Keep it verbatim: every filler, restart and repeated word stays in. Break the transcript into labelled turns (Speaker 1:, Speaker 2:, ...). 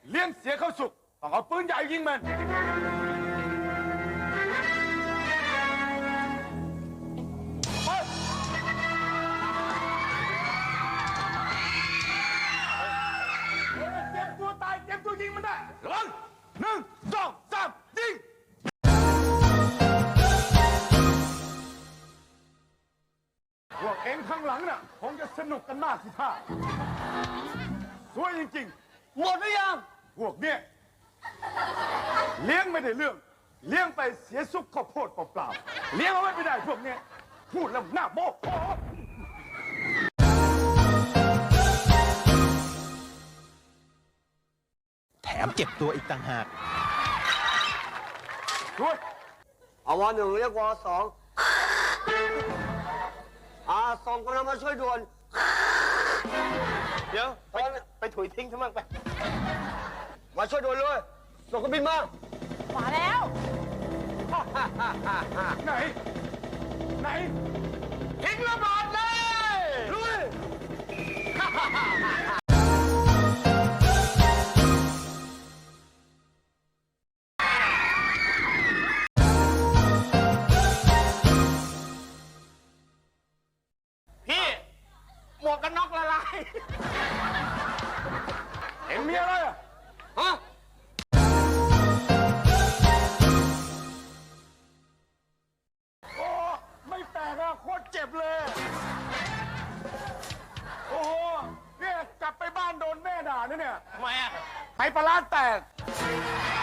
Speaker 1: เลี้ยงเสียเข้าสุกต้องเอาปืนใหญ่ยิงมันเตรียมตัวตายเตรียมตัวยิงมันได้ระวังหนึ่งสองสามยิงพวกเองข้างหลังน่ะคงจะสนุกกันมากสิท่าสวยจริงๆหมดหรือยังพวกเนี้ยเลี้ยงไม่ได้เรื่องเลี้ยงไปเสียซุกข้าวโพดเปล่าๆเลี้ยงเอาไว้ไม่ได้พวกเนี้ยพูดแล้วหน้าโมโห
Speaker 2: แถมเจ็บตัวอีกต่างหาก
Speaker 1: ช่วย
Speaker 3: เอาวอหนึ่งเรียกวอสองอาส่งกำลังมาช่วยด่วน
Speaker 4: เดี๋ยวไปไปถุยทิ้งทั้งมั่งไป
Speaker 3: มาช่วยด่วนเลยส่งเครื่องบินมา
Speaker 5: มาแล้ว
Speaker 1: ไหนไหน
Speaker 4: ทิ้งระเบิดเลย
Speaker 3: ลุย
Speaker 4: พี่หมวกกันน็อกละลาย
Speaker 1: เอ็งมีอะไรอ่ะ
Speaker 3: ฮะ
Speaker 1: โอ้ไม่แตกอะโคตรเจ็บเลย โอ้โหเนี่ยกลับไปบ้านโดนแม่ด่านะเนี่ย
Speaker 4: ทำไมอ่ะ
Speaker 1: ไหปลาร้าแตก